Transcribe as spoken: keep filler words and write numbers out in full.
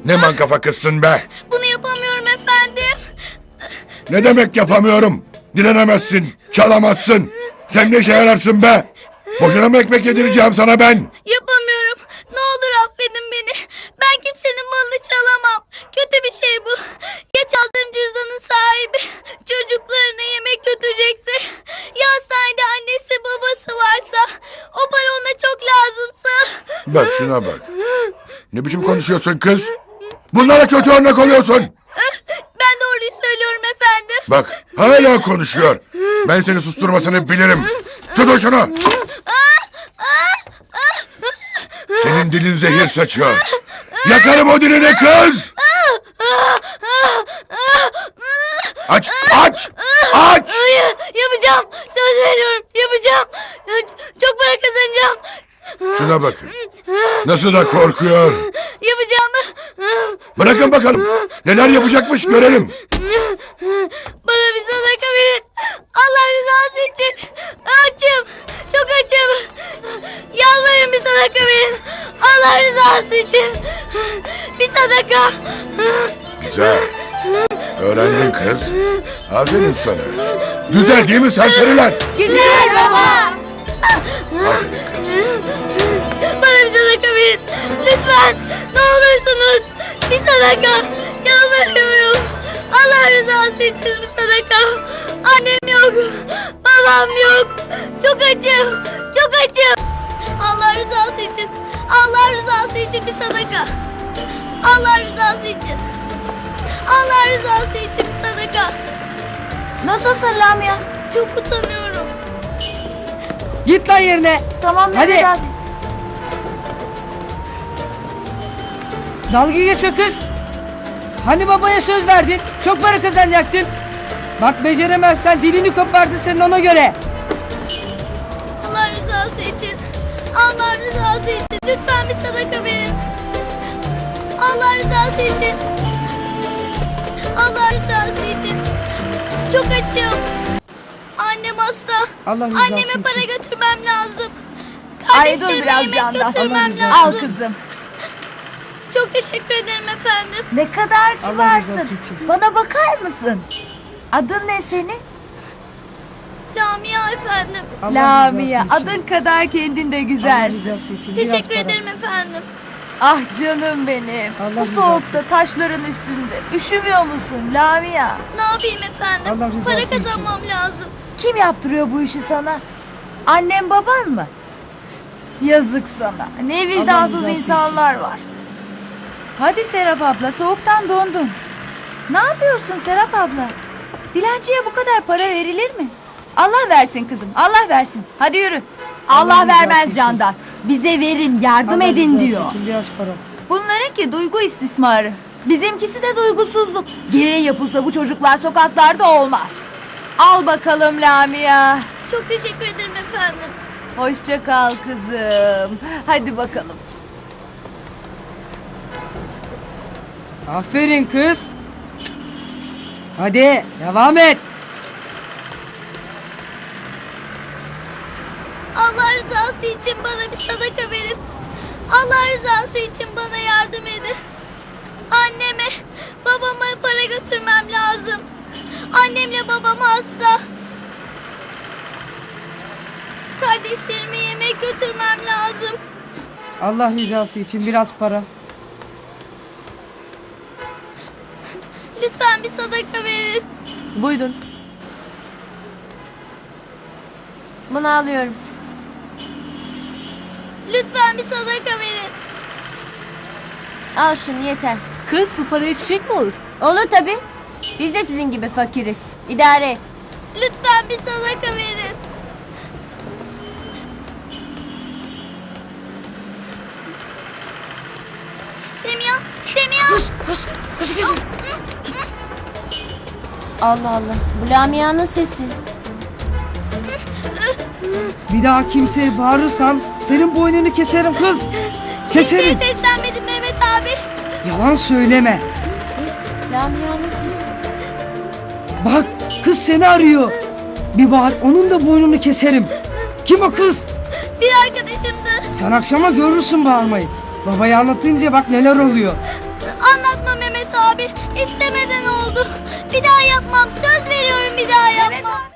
Ne mankafa kızsın be? Bunu yapamıyorum efendim. Ne demek yapamıyorum? Dilenemezsin, çalamazsın. Sen ne işe yararsın be? Boşuna mı ekmek yedireceğim sana ben? Yapamıyorum. Ne olur affedin beni. Ben kimsenin malını çalamam. Kötü bir şey bu. Ya çaldığım cüzdanın sahibi çocuklarına yemek götürecekse, ya hastanede annesi babası varsa, o para ona çok lazımsa. Bak şuna bak. Ne biçim konuşuyorsun kız? Bunlara kötü örnek oluyorsun. Ben doğruyu söylüyorum efendim. Bak hala konuşuyor. Ben seni susturmasını bilirim. Tut şunu. Senin dilin zehir saçıyor. Yakarım o dilini kız. Aç, aç, aç. Hayır, yapacağım. Söz veriyorum, yapacağım. Çok para kazanacağım. Şuna bakın. Nasıl da korkuyor. Yapacağım. Bırakın bakalım. Neler yapacakmış görelim. Bana bir sadaka verin. Allah rızası için. Açım. Çok açım. Yalvarırım bir sadaka verin. Allah rızası için. Bir sadaka. Güzel. Öğrendin kız. Aferin sana. Güzel değil mi serseriler? Güzel baba. Aferin kız. Bana bir sadaka verin. Lütfen. Ne olursunuz. Bir sadaka. Yalvarıyorum. Allah rızası için bir sadaka. Annem yok. Babam yok. Çok acım. Çok acım. Allah rızası için. Allah rızası için bir sadaka. Allah rızası için. Allah rızası için bir sadaka. Nasılsın Lamia? Çok utanıyorum. Git lan yerine. Tamam Hadi. Mehmet abi. Dalga geçme kız. Hani babaya söz verdin? Çok para kazanacaktın. Bak beceremezsen dilini kopardı senin ona göre. Allah rızası için. Allah rızası için. Lütfen bir sadaka verin. Allah rızası için. Allah rızası için. Çok açım. Annem hasta. Allah rızası Anneme için. para götürmem lazım. Ay dur Kardeşlerime biraz yemek candan. götürmem Allah lazım. Al kızım. Çok teşekkür ederim efendim. Ne kadar Allah kibarsın. rızası için. Bana bakar mısın? Adın ne senin? Lamia efendim. Allah Lamia. rızası için. Adın kadar kendin de Allah güzelsin. rızası için. Biraz Teşekkür para. ederim efendim. Ah canım benim. Allah Bu rızası soğukta taşların üstünde. Üşümüyor musun Lamia? Ne yapayım efendim? Allah rızası Para için. kazanmam lazım. Kim yaptırıyor bu işi sana? Annem baban mı? Yazık sana. Ne vicdansız rızası insanlar var. Hadi Serap abla, soğuktan dondun. Ne yapıyorsun Serap abla? Dilenciye bu kadar para verilir mi? Allah versin kızım, Allah versin. Hadi yürü. Allah, Allah vermez rızası için. Candan. Bize verin, yardım Allah edin rızası diyor. için Biraz para. Bunlarınki duygu istismarı. Bizimkisi de duygusuzluk. Gereği yapılsa bu çocuklar sokaklarda olmaz. Al bakalım Lamia. Çok teşekkür ederim efendim. Hoşça kal kızım. Hadi bakalım. Aferin kız. Hadi devam et. Allah rızası için bana bir sadaka verin. Allah rızası için bana yardım edin. Anneme, babama para götürmem lazım. Annemle babam hasta. Kardeşlerime yemek götürmem lazım. Allah rızası için biraz para. Lütfen bir sadaka verin. Buyurun. Bunu alıyorum. Lütfen bir sadaka verin. Al şunu yeter. Kız bu paraya çiçek mi olur? Olur tabii. Biz de sizin gibi fakiriz. İdare et. Lütfen bir sadaka verin. Semiha, Semiha. Allah Allah. Bu Lamia'nın sesi. Bir daha kimseye bağırırsan senin boynunu keserim kız. Kimseye Keserim. seslenmedim Mehmet abi. Yalan söyleme. Lamia'nın sesi. Bak kız seni arıyor. Bir bağır onun da boynunu keserim. Kim o kız? Bir arkadaşımdı. Sen akşama görürsün bağırmayı. Babaya anlatınca bak neler oluyor. Anlat abi. İstemeden oldu. Bir daha yapmam. Söz veriyorum bir daha yapmam.